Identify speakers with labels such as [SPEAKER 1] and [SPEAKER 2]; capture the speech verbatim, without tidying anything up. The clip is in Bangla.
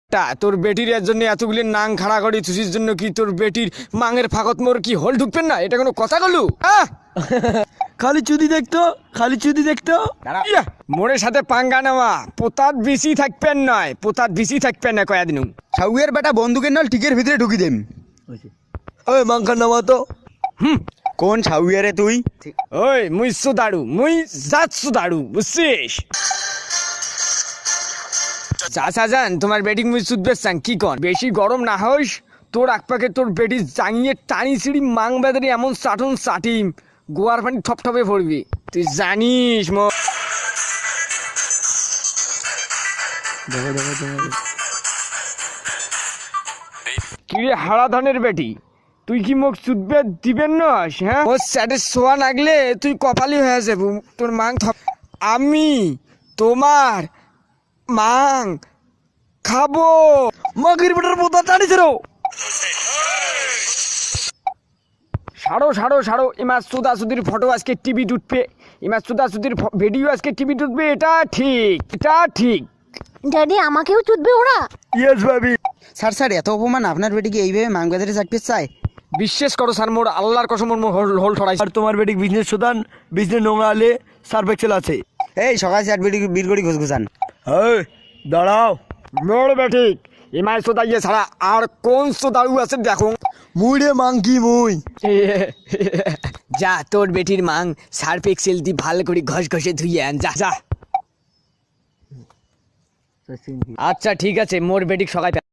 [SPEAKER 1] তা তোর বেটির এর জন্য এতগুলি নাং খাড়া করি তুষির জন্য কি তোর বেটির মাঙের ফাঁকত মোর কি হোল ঢুকবেন না? এটা কোনো কথা গলু?
[SPEAKER 2] খালি চুদি দেখতো, খালি চুদি দেখতো।
[SPEAKER 1] ইয়া, মোরের সাথে পাঙ্গা নেওয়া পোতাত বেশি থাকবেন নয়, পোতাত বেশি থাকবেন না কয়াদিন।
[SPEAKER 3] ছাউয়ের বেটা বন্দুকের নল টিকের ভিতরে ঢুকি দেম।
[SPEAKER 2] ওই মাংখার নামা তো।
[SPEAKER 1] হুম,
[SPEAKER 3] কোন ছাউয়ারে তুই?
[SPEAKER 1] ওই মুই সুদাড়ু, মুই জাত সুদাড়ু, বুঝছিস? চাচা যান তোমার বেটিং মুই সুদবে চান কি কন? বেশি গরম না হইস, তোর আকপাকে তোর বেটি জাঙিয়ে টানি ছিড়ি মাং বেদারি এমন চাটন চাটিম গোয়ার পানি ঠপ ঠপে পড়বি, তুই জানিস মো। কিরে হারা ধানের বেটি, তুই কি মোক চুদবে দিবেন না? হ্যাঁ, ও স্যাটের শোয়া লাগলে তুই কপালি হয়ে যাবো। তোর মাং থপ আমি তোমার মাং খাবো।
[SPEAKER 2] মাগির বেটার পোতা টানিছে রো।
[SPEAKER 1] সারো সারো সারো, এমার সুদা সুদির ফটো আজকে টিভি উঠবে, এমার সুদা সুদির ভিডিও আজকে টিভি উঠবে। এটা ঠিক, এটা ঠিক।
[SPEAKER 4] ড্যাডি আমাকেও চুদবে ওরা?
[SPEAKER 2] ইয়েস ভাবি।
[SPEAKER 3] স্যার স্যার এত অপমান আপনার বেটিকে এইভাবে মাংবাজারে চাকতে চায়?
[SPEAKER 1] বিশ্বাস করো স্যার, মোর আল্লাহর কসম মোর হোল হোল ঠড়াই।
[SPEAKER 2] আর তোমার বেটিক বিজনেস সুদান, বিজনেস নোংরা আলে সার্ফ এক্সেল আছে।
[SPEAKER 3] এই সকাল স্যার বেটি বীরগড়ি ঘুসঘুসান।
[SPEAKER 2] এই দাঁড়াও।
[SPEAKER 1] মোর বেঠিক এমাই সোদা ইয়ে ছাড়া আর কোন সোদাড়ু আছে দেখো।
[SPEAKER 2] মুই রে মাংকি মুই।
[SPEAKER 1] যা তোর বেটির মাং সার্ফ এক্সেল দি ভালো করে ঘষ ঘষে ধুইয়ে আন, যা যা। আচ্ছা ঠিক আছে, মোর বেটিক সকাল